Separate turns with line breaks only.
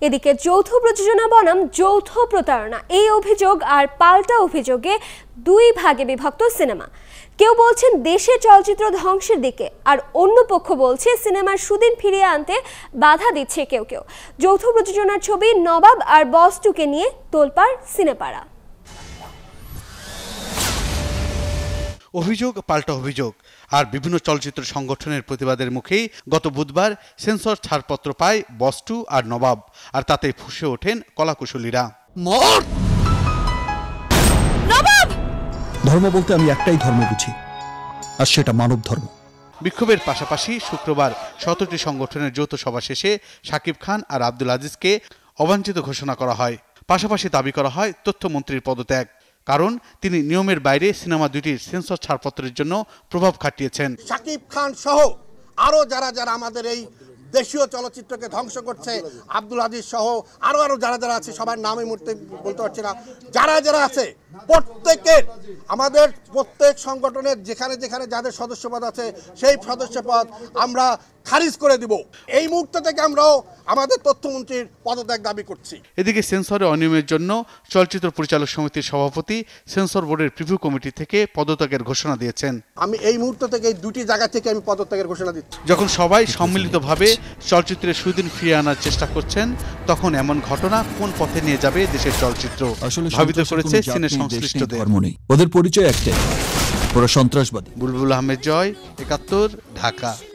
এদিকে যৌথ প্রযোজনা বনাম যৌথ প্রতারণা এই অভিযোগ আর পাল্টা অভিযোগে দুই ভাগে বিভক্ত সিনেমা। কেউ বলছেন দেশের চলচ্চিত্র ধ্বংসের দিকে, আর অন্য পক্ষ বলছে সিনেমার সুদিন ফিরিয়ে আনতে বাধা দিচ্ছে কেউ কেউ। যৌথ প্রযোজনার ছবি নবাব আর বস 2কে নিয়ে তোলপাড় সিনেপাড়া।
অভিযোগ পাল্টা অভিযোগ আর বিভিন্ন চলচ্চিত্র সংগঠনের প্রতিবাদের মুখেই গত বুধবার সেন্সর ছাড়পত্র পায় বস 2 আর নবাব, আর তাতে ফুঁসে ওঠেন কলাকুশলীরা।
ধর্ম বলতে আমি একটাই ধর্ম বুঝি, আর সেটা মানব ধর্ম।
বিক্ষোভের পাশাপাশি শুক্রবার 17টি সংগঠনের যৌথ সভা শেষে শাকিব খান আর আব্দুল আজিজকে অবাঞ্ছিত ঘোষণা করা হয়। পাশাপাশি দাবি করা হয় তথ্যমন্ত্রীর পদত্যাগ, কারণ তিনি নিয়মের বাইরে সিনেমা দুটির সেন্সর ছাড়পত্রের জন্য প্রভাব খাটিয়েছেন।
শাকিব খান সহ আরো যারা যারা আমাদের এই দেশীয় চলচ্চিত্রকে ধ্বংস করছে, আব্দুল আজিজ সহ আরো যারা আছে, সবার নাম এই মুহূর্তে বলতে পারছি না, যারা আছে প্রত্যেকের, আমাদের প্রত্যেক সংগঠনের যেখানে যেখানে যাদের সদস্যপদ আছে সেই সদস্যপদ আমরা খারিজ করে দিব। এই মুহূর্ত থেকে আমরাও আমাদের তথ্যমন্ত্রীর পদত্যাগ দাবি করছি।
এদিকে সেন্সরে অনিয়মের জন্য চলচ্চিত্র পরিচালক সমিতির সভাপতি সেন্সর বোর্ডের প্রিভিউ কমিটি থেকে পদত্যাগের ঘোষণা দিয়েছেন।
আমি এই মুহূর্ত থেকে এই দুটি জায়গা থেকে আমি পদত্যাগের ঘোষণা দিচ্ছি।
যখন সবাই সম্মিলিতভাবে চলচ্চিত্রের সুদিন ফিরিয়ে আনার চেষ্টা করছেন, তখন এমন ঘটনা কোন পথে নিয়ে যাবে দেশের চলচ্চিত্র ভাবিত করেছে সিনে সংশ্লিষ্টদের।
ওদের পরিচয় একটাই, ওরা সন্ত্রাসবাদী।
বুলবুল আহমেদ জয়, ৭১, ঢাকা।